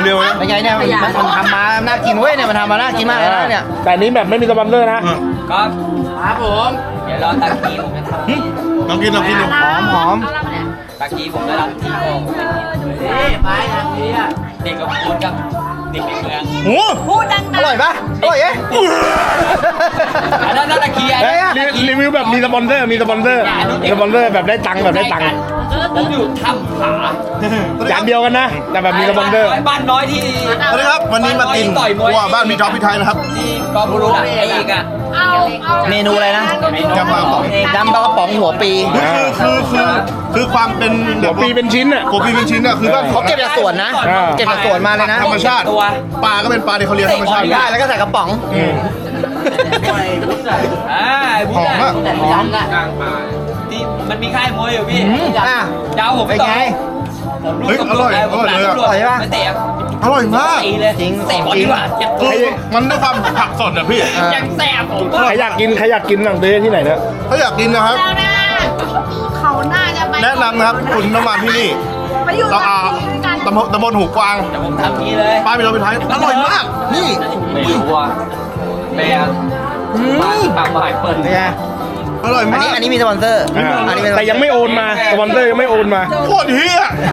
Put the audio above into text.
เร็วๆนะเป็นไงเนี่ยมันทำมาน่ากินเว้ยเนี่ยมันทำมาน่ากินมากเลยนะเนี่ยแต่อันนี้แบบไม่มีสปอนเซอร์นะครับครับผมเดี๋ยวรอตากีผมจะทำลองกินดูหอมตากีผมจะทำที่โอ่งไปทางนี้อ่ะเด็กกับคุณกับเด็กในเมืองโอ้พูดดังอร่อยปะอร่อยเอ๊ะอันนั้นตากีอันนั้นตากีรีวิวแบบมีสปอนเซอร์มีสปอนเซอร์แบบได้ตังค์แบบได้ตังค์ผมอยู่ถ้ำผาอย่างเดียวกันนะ แต่แบบมีสปอนเซอร์บ้านน้อยที่สวัสดีครับวันนี้มากินวัวบ้านพี่ท็อปพี่ไทยนะครับที่กอบุรุษไอ้อีกอ่ะเมนูอะไรนะยำปลากระป๋องยำปลากระป๋องหัวปีคือความเป็นหัวปีเป็นชิ้นอ่ะหัวปีเป็นชิ้นอะคือว่าเขาเก็บจากสวนนะอ่าเก็บจากสวนมาเลยนะธรรมชาติปลาก็เป็นปลาที่เขาเลี้ยงธรรมชาติได้แล้วก็ใส่กระป๋องหอมอะหอมที่มันมีค่ายมวยอยู่พี่อ่ะเจ้าผมเป็นไงเฮ้ยอร่อยเลยอะอร่อยปะไม่เตะอร่อยมากตีเลยจริงเตะบอลดีกว่าเจ็บตัวคือมันด้วยความผักสดอะพี่ยังแสบผมใครอยากกินสั่งซื้อที่ไหนนะถ้าอยากกินนะครับแล้วนะเขาน่าจะไปแนะนำนะครับคุณน้ำมันที่นี่ไปอยู่เรากันตำบลหูกวางแต่ผมทำนี้เลยป้าพี่ท็อปพี่ไทยอร่อยมาก นี่ไม่รู้ว่าแม่ปากหมายเปิดเป็นไงอร่อยมากอันนี้มีสปอนเซอร์ อันนี้เป็นแต่ยังไม่โอนมาสปอนเซอร์ยังไม่โอนมาโคตรเฮีย